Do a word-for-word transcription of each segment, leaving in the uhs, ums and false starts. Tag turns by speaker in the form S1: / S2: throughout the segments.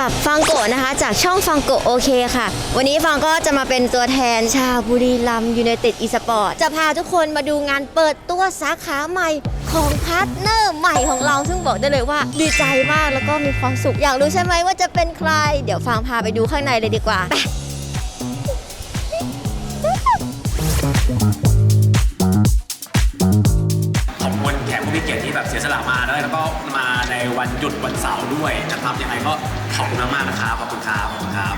S1: กับฟังโกะนะคะจากช่องฟังโกะโอเคค่ะวันนี้ฟังก็จะมาเป็นตัวแทนชาวบุรีรัมย์ยูไนเต็ดอีสปอร์ตจะพาทุกคนมาดูงานเปิดตัวสาขาใหม่ของพาร์ทเนอร์ใหม่ของเราซึ่งบอกได้เลยว่าดีใจมากแล้วก็มีความสุขอยากรู้ใช่ไหมว่าจะเป็นใครเดี๋ยวฟังพาไปดูข้างในเลยดีกว่า
S2: ขอบคุณแขกผู้มีเกียรติที่แบบเสียสละมาด้วยแล้วก็มาในวันหยุดวันเสาร์ด้วยนะครับยังไงก็ขอบคุณมากๆนะครับขอบคุณครับขอบคุณครับ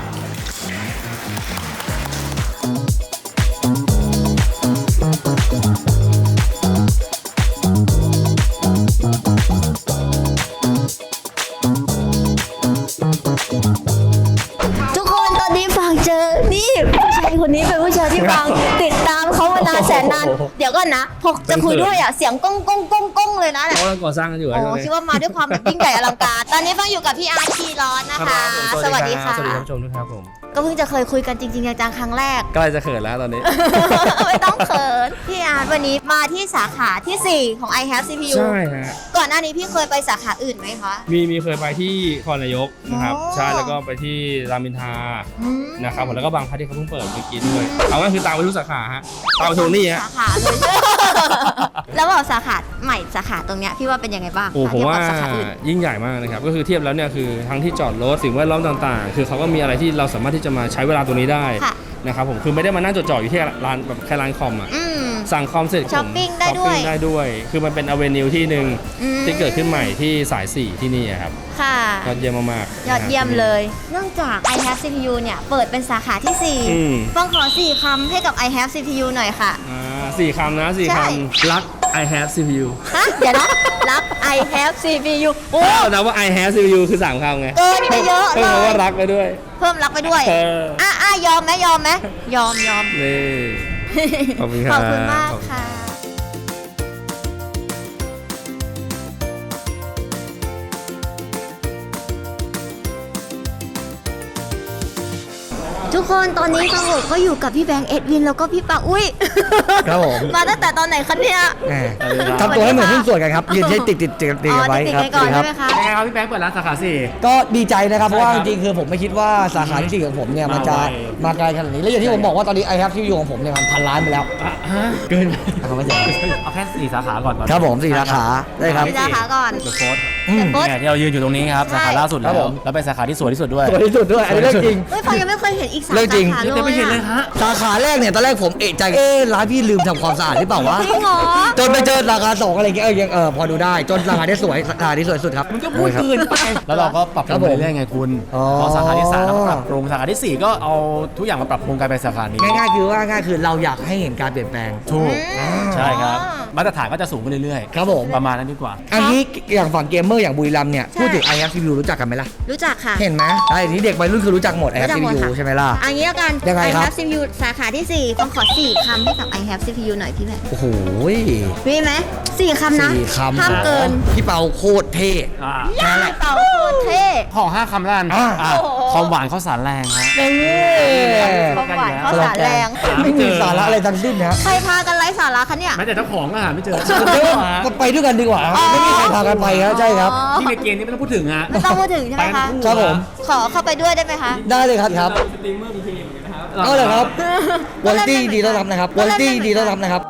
S1: ทุกคนตอนนี้ฟังเจอนี่ผู้ชายคนนี้เป็นผู้ชายที่ฟังติดตามเขามานานแสนนานเดี๋ยวก่อนนะพอจะคุยด้วยอ่ะเสียงก้องก้องก้องก้องเลยนะเนี่ย
S3: เขากำลังก่อสร้างกันอยู่
S1: โอ้คิดว่ามาด้วยความแบบยิ่งใหญ่อลังการตอนนี้ฟังอยู่กับพี่อาร์ทีร้อนนะคะสวัสดีค่ะ
S3: สวัสดีท่านผู้ชมด้วยครับผม
S1: ก็เพิ่งจะเคยคุยกันจริงๆจังๆครั้งแรก
S3: ใกล้จะเขินแล้วตอนนี้
S1: ไม่ต้องเขินพี่อาร์ตวันนี้มาที่สาขาที่สี่ของ I Have ซี พี ยู
S3: ใช่ฮะ
S1: ก่อนหน้านี้พี่เคยไปสาขาอื่นไหมคะ
S3: มีมีเคยไปที่คอนนายกนะครับ
S1: อ๋อ
S3: ใช่แล้วก็ไปที่รามอินทรา
S1: อืม
S3: นะครับผมแล้วก็บางพัทที่เขาเพิ่งเปิดเมื่อกี้ด้วยเอาง่ายคือตามไปทุกสาขาฮะตามไปทุกนี่ฮะ
S1: สาขาเลย แล้วบอกสาขาใหม่สาขาตรงเนี้ยพี่ว่าเป็นยังไงบ้าง
S3: โอ้ผม
S1: เทียบ
S3: ว่า
S1: กับสาขาอื่น
S3: ยิ่งใหญ่มากนะครับก็คือเทียบแล้วเนี่ยคือทั้งที่จอดรถสิ่งแวดล้อมต่างๆ คือเขาก็มีอะไรที่เราสามารถที่จะมาใช้เวลาตรงนี้ได้
S1: ค่ะ
S3: นะครับผมคือไม่ได้มานั่งจดจ่ออยู่ที่ร้านแบบแค่ร้านคอมอ่ะ
S1: อืม
S3: สั่งคอมเสร็จผม
S1: ช้อปปิ้งได้ด้วย
S3: ช้อปปิ้งได้ด้วย คือมันเป็นอเวนิวที่หนึ่ง
S1: อืม
S3: ที่เกิดขึ้นใหม่ที่สายสี่ที่นี่อะครับ
S1: ค่ะ
S3: ยอดเยี่ยมมากๆ
S1: ยอดเยี่ยม
S3: นะครับ
S1: เลย เนื่องจาก I Have ซี พี ยู เนี่ยเปิดเป็นสาขาที่สี่
S3: อืม
S1: ฟังขอสี่คำให้กับ I Have ซี พี ยู หน่อยค่ะ
S3: อ่าสี่คำนะสี่
S1: ใช่
S3: คำรัก I have ซี พี ยู
S1: ฮะเดี๋ยวนะรับ I Have ซี พี ยู โอ้
S3: ถ้าเรานับว่า I have ซี พี ยู คือสามคำไง
S1: เกินไปเยอะ
S3: เพิ่
S1: เล
S3: มคำ
S1: ย
S3: ว่ารักไปด้วย
S1: เพิ่มรักไปด้วย
S3: เออ
S1: อ่ะอ่ะยอมไหมยอมไหมยอมยอม
S3: นี่ขอบคุณครับ
S1: ขอบคุณมากค่ะ ทุกคนตอนนี้ฟังโกก็อยู่กับพี่แบงค์เอ็ดวินแล้วก็พี่ปังอุ้ย
S4: ครับผม
S1: มาตั้งแต่ตอนไหนคะเนี่ย
S4: แหมทำตัวให้เหมือนหุ้นส่วนกันครับยืนให้ติดติดติดติด
S1: อ๋อ
S4: กันไว้
S1: ติด
S4: ครับ
S1: ๆกันก่อน
S4: ครั
S1: ใช่ไหมคะ
S2: ยังไงครับพี่แบงค์เปิดร้านสาขาสี่
S4: ก็ดีใจนะครับเพราะว่า
S2: ใช่
S4: จ
S2: ครับ
S4: ริงๆคือผมไม่คิดว่าสาขาที่สี่ของผมเนี่ยมันจะ
S2: มาไว
S4: มาไกลขนาดนี้แล้วอย่างที่ผมบอกว่าตอนนี้ I Have ที่อยู่ของผมเนี่ยมันพันล้านไปแล้ว
S2: อ่ะฮะเกิน
S4: เอาไม่ใช่
S2: เอาแค่สี่สาขาก่อนก่อน
S4: ครับผมสี่สาขาได้ครับ
S1: พี่สาขาก่อน
S2: เดอะโค้ด
S4: อืม
S1: โค้ด
S2: เนี่ยที่เรายืนอยู่ตรงนี้ครับ
S1: ใช่
S2: สาขาล่าสุด
S4: ค
S2: แล้
S4: รับ
S2: ว
S4: ผม
S2: แล้วเป็นสาขาที่สวยที่สุดด้วย
S4: สวยที่สุดด้วยอันนี้เรื่องจริง
S1: เฮ้ยฟังยังไม่เคยเห็นอีกสาม
S4: เรื่องจริง
S1: สาขาเลย
S2: ยังไม่เห็นเลย
S1: อะ
S2: ฮะ
S4: สาขาแรกเนี่ยตอนแรกผมเอะใจเอ๊ะร้านพี่ลืมทำความสะอาดหรือเปล่าวะ
S1: จริงเหรอ
S4: จนไปเจอสาขาสองอะไรเงี้ยเออยังเออพอดูได้จนสาขาที่สวยสาขาที่สวยสุดครับ
S2: มันก็พูด
S4: ครับ
S2: เกินไปแล้วเราก็ปรับปรุงไปเรื่อยๆไงคุณ
S4: อ๋อ
S2: พอสาขาที่สามเราก็ปรับปรุงสาขาที่สี่ก็เอาทุกอย่างมาปรับปรุงกลายเป็นสาขานี้
S4: ง่ายๆคือว่าง่ายคือเราอยากให้เห็นการเปลี่ยนแปลง
S2: ถูก
S1: อืม
S2: ใช่ครับมาตรฐานก็จะสูงขึ้นเรื่อย
S4: ครับผม
S2: ๆประมาณนั้นดีกว่า
S4: อันนี้อย่างฝั่งเกมเมอร์อย่างบุรีรัมย์เนี่ย
S1: ใช่
S4: พูดถึง I Have ซี พี ยู รู้จักกันไหมล่ะ
S1: รู้จักค่ะ
S4: เห็นไหมไอ้นี้เด็กวัยรุ่นคือรู้จักหมด I
S1: รู้
S4: Have
S1: จัก
S4: ซี
S1: หมด
S4: พี ยู
S1: ค่ะ
S4: ใช่ไหมล่ะ
S1: อันนี้แล้วกัน
S4: ยังไง
S1: I
S4: ครับ
S1: Have ซี พี ยู สาขาที่สี่ฟังขอสี่คำให้กับ I Have ซี พี ยู หน่อยพี่แม่
S4: โอ้โห
S1: มีไหมสี่คำนะ
S4: สี่คำ
S1: ห้ามเกิน
S4: พี่เปาโคตรเท่
S2: อ่า
S1: ย่าเต่าโคตรเท่
S2: ขอห้าคำแล้วกัน
S4: อ่า
S2: อ่า
S1: โอ้โห
S2: ความหวานข้าวสารแรงฮะ
S1: ความหวานข้าวสารแรง
S4: ไม่มีสาระอะไรทั้งสิ้นนะ
S1: ใครพากันไร้สาระคะเนี่ย
S2: แม้แต่เจ้าของก็หาไม่เจอ
S4: เดี๋ยวไปด้วยกันดีกว่า
S1: อ๋อ
S4: ไม่มีใครพากันไปครับใช่ครับ
S1: อ๋อ
S2: ที่ในเกมนี้ไม่ต้องพูดถึงฮะ
S1: ไม่ต้องพูดถึงใช่ไหมคะ
S4: ครับผม
S1: ขอเข้าไปด้วยได้ไหมคะ
S4: ได้เลยครับครับก็เลยครับวอลตี้ดีต้อนรับนะครับวอลตี้ดีต้อนรับนะครับ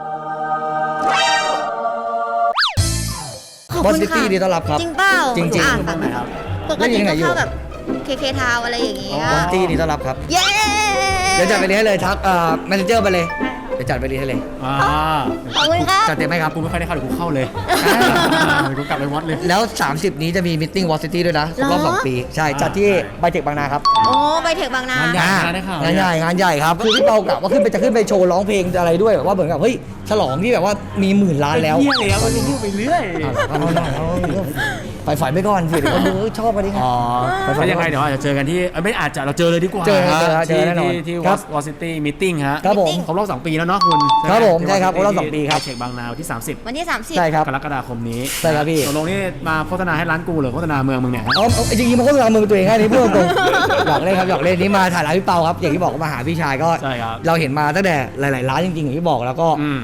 S1: ขอบ
S4: วอล
S1: คุณค่ะ
S4: ตี้ดีต้อนรับครับ
S1: จริงเปล่า
S4: จริงๆ
S1: อ่ะ
S2: ตรงไหนครับ
S1: ปกติก็เข้าแบบเคเคทาวอะไรอย่างเงี้ยว
S4: อลตี้ดีต้อนรับครับ
S1: เย้
S4: เดี๋ยวจัดไปเรียนให้เลยทักเอ่อแมเนเจอร์ไปเลยเดี๋ยวจัดไปเรียนให้เลย
S2: อ่า
S1: ขอบคุณครับ
S4: จัดเต็มไหมครับ
S2: กูไม่ค่อยได้เข้าเดี๋ยวกูเข้าเลยเดี๋ยวกูกลับไปวัดเลย
S4: แล้ว สามสิบ นี้จะมีมิทติ้งวอลซิตี้ด้วยนะครบรอบ
S1: เหรอ
S4: สองปี ใช่ จัดที่ไบเทคบางนาครับ
S1: โอ้ไปเทคบางนา
S2: งานใหญ่
S4: อ่า
S2: ได้ข่าว
S4: งานใหญ่งานใหญ่ครับ คือพี่เปากะว่าขึ้นไปจะขึ้นไปโชว์ร้องเพลงอะไรด้วยแบบว่าเหมือนกับเฮ้ยฉลองที่แบบว่ามีหมื่นล้านแล้ว
S2: เที่ยแล้วมันพูดไปเรื่อย
S4: เอาหน่อยเอาหน่อยไปฝันไปก่อนสิเดี๋ยวคนดูชอบกันดิ
S2: อ๋อแล้วยังไงเดี๋ยวอาจจะเจอกันที่เอ้ยไม่อาจจะเราเจอเลยดีกว่า
S4: เจอเจอ
S2: ฮะ
S4: เจอ
S2: ที่
S4: แน่นอน
S2: ที่ที่
S4: ครั
S2: ว
S4: บ
S2: อซิตี้มิทติ้งฮะ
S4: ครับผม
S2: ครบรอบสองปีแล้วเนาะคุณ
S4: ครับผม
S2: ไห
S4: ใช่ครับครบรอบสองปีครับ
S2: เช็คบางนาวันที่สามสิบ
S1: วันที่สามสิบ
S4: ใช่ครับ
S2: กรกฎาคมนี้
S4: ใช่ครับพี่
S2: ตกลงนี่มาโฆษณาให้ร้านกูหรือโฆษณาเมืองมึงเนี่ยฮะ
S4: เอาเอาจริงๆมันก็คือมือตัวเองแค่นี้พูดตรงๆหยอกเล่นครับหยอกเล่นนี้มาถ่ายร้านพี่เปาครับอย่างที่บอกว่ามาหาพี่ชายก็
S2: ใช่ครับ
S4: เราเห็นมาตั้งแต่หลายๆร้านจริงๆอย่างที่บอกแล้วก็
S2: อืม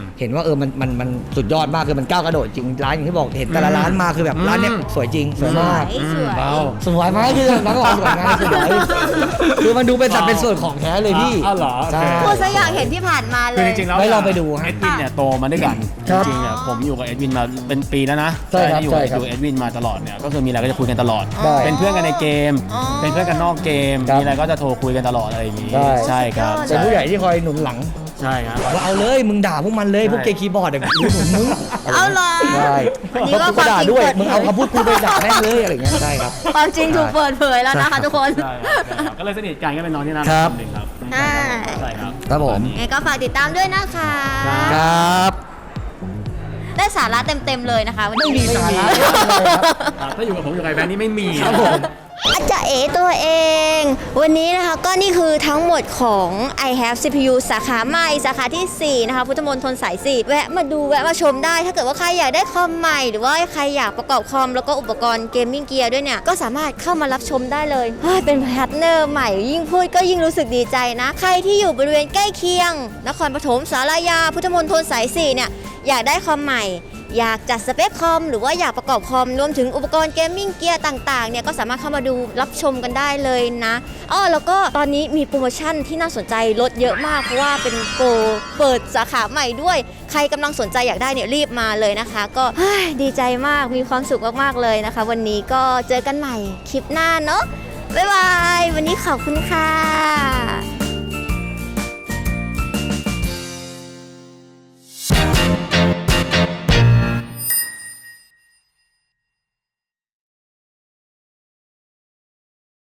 S4: เห็นว่าเออมันมันมันสุดยอดมากคือมันก้าวกระโดดจริงร้านอย่างที่บอกเห็นแต่ละร้านมาคือแบบร้านเนี้ยสวยจริงสวยมาก
S1: สวย
S3: เบา
S4: สวยไหมคือน้องก็บอกสวยงานสวยคือมันดูเป็นสัดเป็นส่วนของแท้เลยพี่
S3: อ้าวเหรอโอเค
S4: ใช่
S1: พูดซะอยากเห็นที่ผ่านมาเล
S2: คือย จริงๆแล้ว
S4: ไว้ลองไปดูฮะ
S2: เอ็ดวินเนี่ยโตมาด้วยกัน
S4: ค
S2: จ
S4: รับ
S2: ริงๆเนี่ยผมอยู่กับเอ็ดวินมาเป็นปีแล้วนะ
S4: ใช่ครับ
S2: ที่อยู่
S4: ใช่ครับ
S2: อยู่เอ็ดวินมาตลอดเนี่ยก็คือมีอะไรก็จะคุยกันตลอด
S4: ได้
S2: เป็นเพื่อนกันในเกม
S1: อ๋อ
S2: เป็นเพื่อนกันนอกเกม
S4: ครับ
S2: มีอะไรก็จะโทรคุยกันตลอดอะไรอย่างงี้
S4: ได้
S2: ใช่ครับ
S4: เป็นผู้ใหญ่ที่คอยหนุนหลัง
S2: ใช่ครับ
S4: ว่าเอาเลยมึงด่าพวกมันเลยพวกเกย์คีย์บอร์ดเดี๋ยวกูหนุนมึง
S1: เอาเหรอ
S4: ใช่
S1: วันนี้
S4: เพราะ
S1: ก็
S4: กูก็ด่าด้วย
S1: ความจริง
S4: มึงเอาคำพูดกูไปด่าแม่งเลยอะไรอย่างเงี้ยใช่ครับ
S1: ความจริงถูกเปิดเผยแล้วนะคะทุกคน
S2: ใช่ครับใช่ครับก็เลยสนิทกันก็เป็นน้องที่น่า
S4: ครั
S2: รับ กคนหนึ่งครับ
S1: ใช่
S2: ใช่ครับ
S4: ครับผม
S1: ไงก็ฝากติดตามด้วยนะคะ
S4: ครับ
S1: ได้สาระเต็มๆเลยนะคะวันนี้
S4: ไม่มีสาระ
S2: ครับถ้าอยู่กับผมอยู่กับไอ้แบงค์นี่ไม่มี
S4: ครับผม
S1: อาจารย์เอตัวเอง วันนี้นะคะก็นี่คือทั้งหมดของ I have ซี พี ยู สาขาใหม่สาขาที่สี่นะคะพุทธมณฑลสายสี่แวะมาดูแวะมาชมได้ ถ้าเกิดว่าใครอยากได้คอมใหม่หรือว่าใครอยากประกอบคอมแล้วก็อุปกรณ์เกมมิ่งเกียร์ด้วยเนี่ยก็สามารถเข้ามารับชมได้เลยเฮ้ยเป็นพาร์ทเนอร์ใหม่ยิ่งพูดก็ยิ่งรู้สึกดีใจนะ ใครที่อยู่บริเวณใกล้เคียงนครปฐมสารยาพุทธมณฑลสายสี่เนี่ยอยากได้คอมใหม่อยากจัดสเปคคอมหรือว่าอยากประกอบคอมรวมถึงอุปกรณ์เกมมิ่งเกียร์ต่างๆเนี่ยก็สามารถเข้ามาดูรับชมกันได้เลยนะอ้อแล้วก็ตอนนี้มีโปรโมชั่นที่น่าสนใจลดเยอะมากเพราะว่าเป็นโปรเปิดสาขาใหม่ด้วยใครกำลังสนใจอยากได้เนี่ยรีบมาเลยนะคะ ก็เฮ้ยดีใจมากมีความสุขมากๆเลยนะคะ วันนี้ก็เจอกันใหม่คลิปหน้าเนาะบ๊ายบายวันนี้ขอบคุณค่ะ